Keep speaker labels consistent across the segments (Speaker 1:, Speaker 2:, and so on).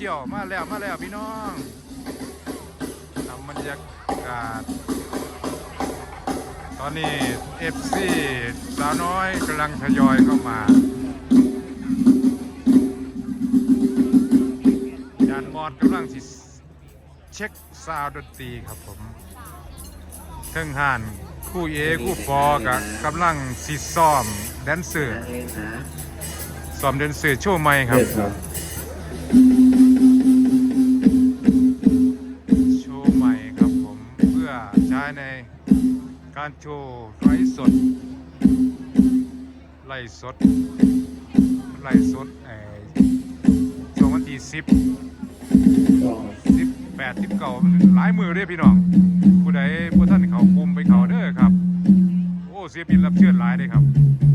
Speaker 1: ยวมาแล้วพี่น้องทำบรรยากาศตอนนี้ FC สาวน้อยกำลังทยอยเข้ามาจานมอดกำลังสิเช็คซาวด์ดนตรีครับผมเทิงห่านคู่เอคู่ปอกับกำลังสิซ้อมแดนเซอร์ซ้อมแดนเซอร์โชว์ใหม่ครับโชว์ใหม่ครับผมเพื่อใช้ในการโชว์ไลฟ์สดช่วงวันที่10 18 19หลายมือเด้พี่น้องผู้ใดผู้ท่านเขาคุมไปเขาเด้อครับโอ้ศิลปินรับเชิญหลายเด้ครับ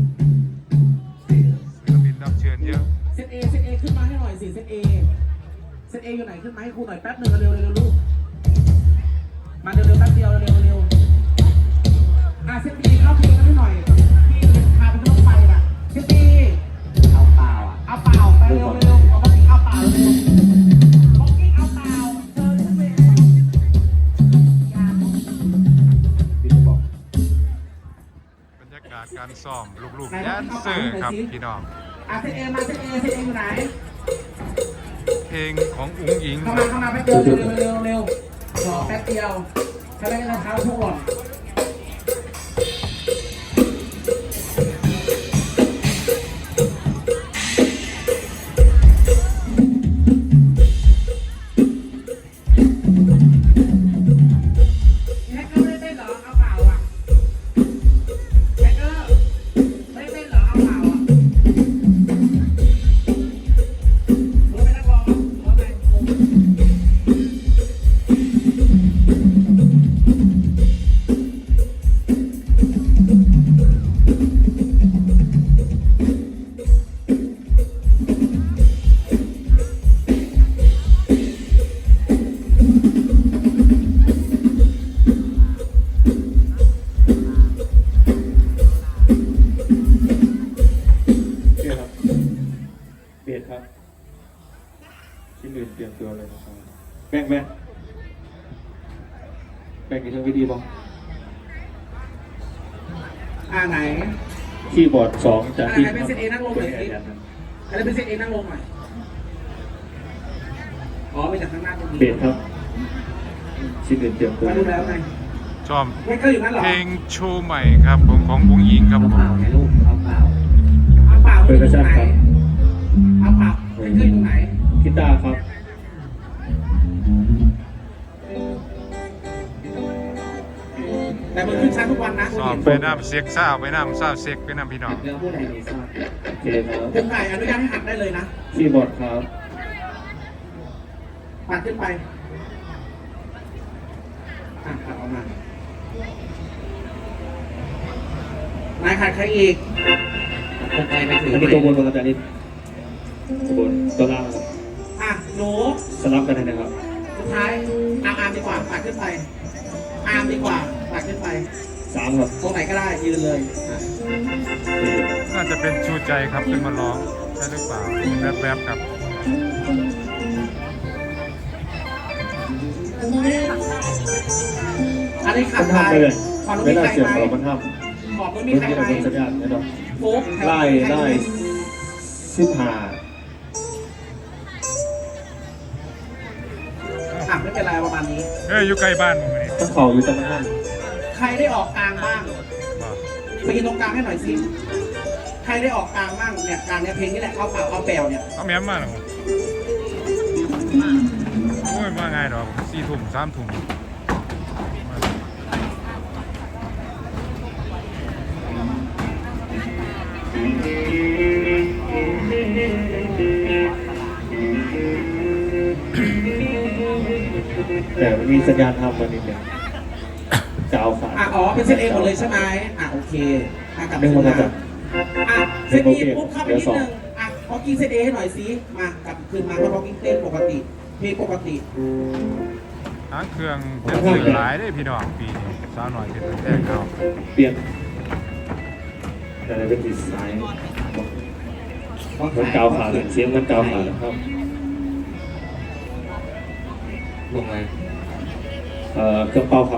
Speaker 1: ศิลปินรับเชิญเยอะ
Speaker 2: เซตเอขึ้นมาให้หน่อยสิเซตเออยู่ไหนขึ้นมาให้ครูหน่อยแป๊บหนึ่งเร็วลูกมาเร็วแป๊บเดียวเร็วเซตบีเข้าเพลงกันให้หน่อยพี่พาไปที่รถไฟน่ะเซตบีเอาเปล่าไปเร็วเอาบ็อกกิ้งเอาเปล่าเร็วบ็อกกิ้งเอาเปล่าเธอขึ้นไป
Speaker 1: บรรยากาศการซ้อมลูกๆแดนเซอร์ครับพี่น้อง
Speaker 2: เซตเออยู่ไหน
Speaker 1: เพลงของอุ๋งอิง
Speaker 2: เข้ามาแป๊บเดียวเร็วรอแป๊บเดียวถ้าไม่ได้เท้าทุกคน
Speaker 3: ที่ลืมเตรียมตัวเลยนะครับแบ่งกี่ทางวิดีบ้าง
Speaker 2: ไหน
Speaker 3: คีย์บอร์ด2จากที่
Speaker 2: ใครเป็นเซตเอนั่งลงหน่อยใครเป็นเซตเอนั่งลงหน่อยไปจากข้างหน้าตรงนี้
Speaker 3: เบสครับที่ลืมเตรียมตัว
Speaker 2: มาดูแล้วไง
Speaker 1: ชอบเพลงโชว์ใหม่ครับของอุ๋งอิงครับผม
Speaker 2: เอาเปล่า
Speaker 3: เป็นกระชับครับ
Speaker 2: เอาเปล่าไม่เคยอยู่ไหน
Speaker 3: กีตาร์ครับ
Speaker 2: แต่มันขึ้นชั้นทุกวันนะ
Speaker 1: สอบไปน้ำเซ็กซ่าไปน้ำซ่าเซ็กไปน้ำพี่น้อง
Speaker 2: เดี๋ยวพูดอะไรดีซ่า
Speaker 3: โอเคครับ
Speaker 2: ขึ้นไปอนุญาตให้หักได้เลยนะ
Speaker 3: คีย์บอร์ดครับ
Speaker 2: ปัดขึ้นไปปัดออกมา นายขาดใครอีกใครไปถือ
Speaker 3: อันนี้ตัวบนอาจารย์นิดตัวบนตัวล่าง
Speaker 2: หนู
Speaker 3: สลับกันนะครับ
Speaker 2: สุดท้ายอาร์มดีกว่าปัดขึ้นไปอาร์มดีกว่าปัดขึ้นไป
Speaker 3: 3ครับ
Speaker 2: ตรงไหนก็ได้ยืนเลย
Speaker 1: น่าจะเป็นชูใจครับขึ้นมาร้องใช่หรือเปล่าแวบๆครับ
Speaker 2: อันนี้ขัดไป
Speaker 3: ไม่น่าเสียงเรามันทำ
Speaker 2: ขอบไม่มีใครไป
Speaker 3: สัญญาณนะเนาะไล่15
Speaker 2: ไม่เป็นไรประมาณนี้
Speaker 1: อยู่ใกล้บ้านมึงนี่
Speaker 3: ต้องเขาอยู่ตรงนั้น
Speaker 2: ใครได้ออกกลางบ้างไปยืนตรงกลางให้หน่อยสิใครได้ออกกลางบ้างเนี่ยกลางเนี่ยเพลงนี้แหละเอาเปล่าเอาแปลวเนี่ย
Speaker 1: เอาแม้มมาหรอโอ้ยมาไงดอก4 ทุ่ม3 ทุ่ม
Speaker 3: แต่มีสัญญาณทำมานิดนึงจะเอาขา
Speaker 2: เป็นเซตเอหมดเลยใช่ไหมโอเคกลับ
Speaker 3: เรื่องมาจาก
Speaker 2: เซตเอปุ๊บเข้าไปนิดนึงพอกิ้งเซตเอให้หน่อยสิมากลับคืนมาพอกิ้งเต้นปกติเพลงปกติ
Speaker 1: ทั้งเครื่องจะสื่อหลายได้พี่น้องปีนี้สาวหน่อยเป็นแรกเขา
Speaker 3: เปลี่ยนแต่เป็นดีไซน์มันเกาขาเสียงมันเกาขาครับ
Speaker 4: ลงเลย
Speaker 3: เครื่องเป่าครับ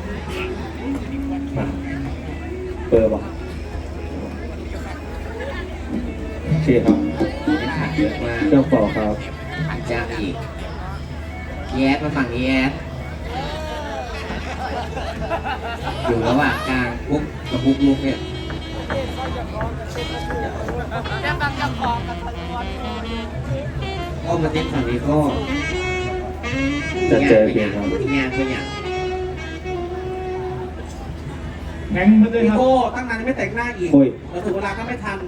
Speaker 3: มาเปิดบ่โอเคครับ
Speaker 4: ไม่ขาดเยอะมาก
Speaker 3: เครื่องเป่าครับ
Speaker 4: ขาดจ้างอีกแยสมาฝั่งนี้แยสอยู่ระหว่างกลางปุ๊บกับปุ๊บลุกเนี่ยก็มาเต้นฝั่งนี้ก็
Speaker 3: จะเจอเพลงครับ
Speaker 4: งานเป็นอย่าง
Speaker 2: แข่งมาเลยครับโก้ตั้งนานไม่แต่งหน้าอีก
Speaker 3: โอ้ย
Speaker 2: แล้วถึงเวลาก็ไม่ทัน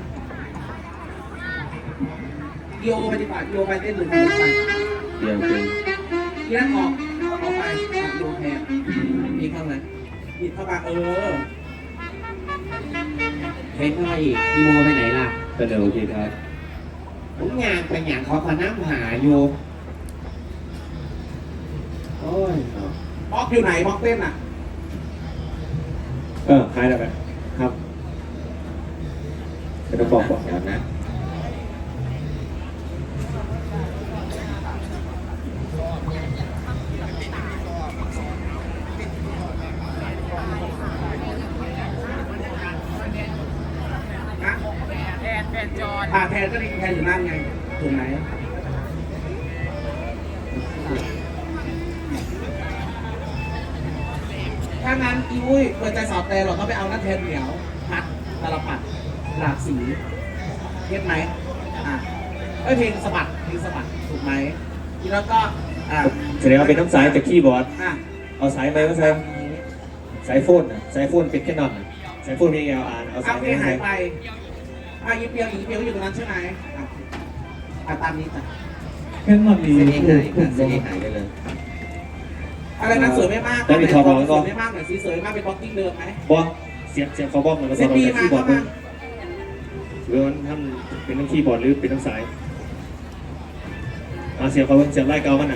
Speaker 2: โยไปดีกว่าโยไปเต้นหรือไป
Speaker 3: เดี๋ยวเพลง
Speaker 2: ที่นั่นออกไปโยแทน
Speaker 4: มีเข้ามา
Speaker 2: ผิดเข้ามาอ
Speaker 4: เพ้นเข้ามาอีกอีโมไปไหนล่ะ
Speaker 3: ก็เดี๋ยวโอเคครับ
Speaker 4: ผมงานเป็นอย่างเขาพาน้ำหาอยู่โอ้ย
Speaker 2: ม็อกอยู่ไหนม็อกเต้นอ่ะ
Speaker 3: หายแล้วกันครับเดี๋ยวบอกก่อน
Speaker 4: เดี๋ยวนะ
Speaker 2: นะแทนจอนแทนก็ดีแทนอยู่นั่นไงถูกไหมถ้างั้นอีวุ้ยเปิดใจสอบแต่เราก็ไปเอาหน้าแทนเหนียวพัดตลปัดหลากสีเก็ตไหมเพลงสะบัดถูกไหมทีแล้วก็
Speaker 3: แสดงว่าเป็นน้ำสายจากคีย์บอร์ด
Speaker 2: อ่ะ
Speaker 3: เอาสายไหมก็ใส่สายโฟนอ่ะสายโฟนเป็นแค่นอนอ่ะสายโฟนมี LR เอาสา
Speaker 2: เอา
Speaker 3: ย
Speaker 2: เพ
Speaker 3: ไห
Speaker 2: ล
Speaker 3: ม
Speaker 2: ง
Speaker 3: ใส่
Speaker 2: หายไปอีเปียวอยู่ตรงนั้นใช่ไหมตามนี้จ้ะ
Speaker 3: แค่นอนดี
Speaker 4: เส้นเองหายค่ะเส้นเองหายไปเลย
Speaker 2: อะไรนะสวยไม่มาก
Speaker 3: แล้วมีทอบอกแล้วก็
Speaker 2: สวยไม่มากหน่อยสิสวยมากเป็นบล็อกกิ้งเดิมไหม
Speaker 3: บอสเสียงเขาบอกเหมือนกับ
Speaker 2: เส้น
Speaker 3: เรา
Speaker 2: บี
Speaker 3: จาก
Speaker 2: มา
Speaker 3: คีย์บอ
Speaker 2: เข้า
Speaker 3: ร์ด
Speaker 2: มา
Speaker 3: หรือว่าท่านเป็นทั้งคีย์บอร์ดหรือเป็นทั้งสายเสียงเขาเสียงไล่เกามันอ่ะ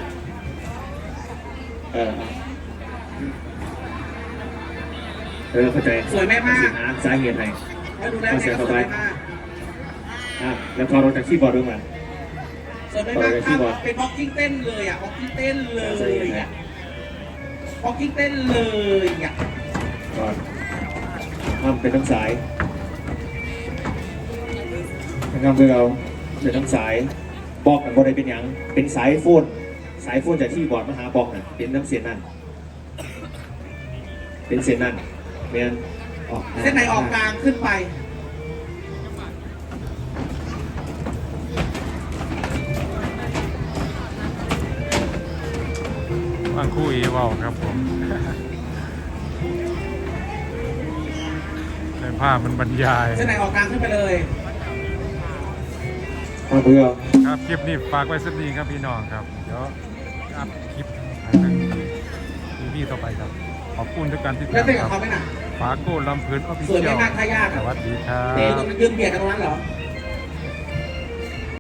Speaker 3: เข้าใจ
Speaker 2: สวยไม่มาก
Speaker 3: สาเหตุไหน
Speaker 2: แล้วดูได้ไงก็สวยไม่มาก
Speaker 3: แล้วพอเราจากคีย์บอร์ดด้วยมา
Speaker 2: สวยไม่มากครับเป็นบล็อกกิ้งเต้นเลยอ่ะบล็อกกิ้งเต้นเลยอ่ะบล็อกกิ้งเต้นเลยอ่ะ
Speaker 3: ก่อนทำเป็นทั้งสายทำคือเราเป็นทั้งสายบอกกันบ่ได้เป็นอย่างเป็นสายโฟนจากที่บอร์ดมาหาบอกน่ะเป็นน้ำเสียนนั่นเป็นเสียนนั่นเมียนออก
Speaker 2: เส้นไหนออกกลางขึ้นไป
Speaker 1: ฟังคู่เอเว้าครับผม ในภาพมันบรรยาย
Speaker 2: เส้นไหนออกกลางขึ้นไปเลย
Speaker 3: ทำเพื่อ
Speaker 1: ครับคลิปนี้ฝากไว้สักนี้ครับพี่น้องครับ เดี๋ยวอัพคลิปให้ทางทีวีต่อไปครับ ขอบคุณทุกการติด
Speaker 2: แล้ว
Speaker 1: ตาม
Speaker 2: เต้น
Speaker 1: ค
Speaker 2: กับ
Speaker 1: รับ
Speaker 2: เขาไหมน่ะ
Speaker 1: ฝากโก้ลำเพลินออฟฟิ
Speaker 2: สวย
Speaker 1: เชีย
Speaker 2: ไม่
Speaker 1: ล
Speaker 2: มากท่ายาก
Speaker 1: สวัสดีครั
Speaker 2: เต้น
Speaker 1: บ
Speaker 2: ตรงนั้นยืนเบียดกันตรงนั้นเหรอ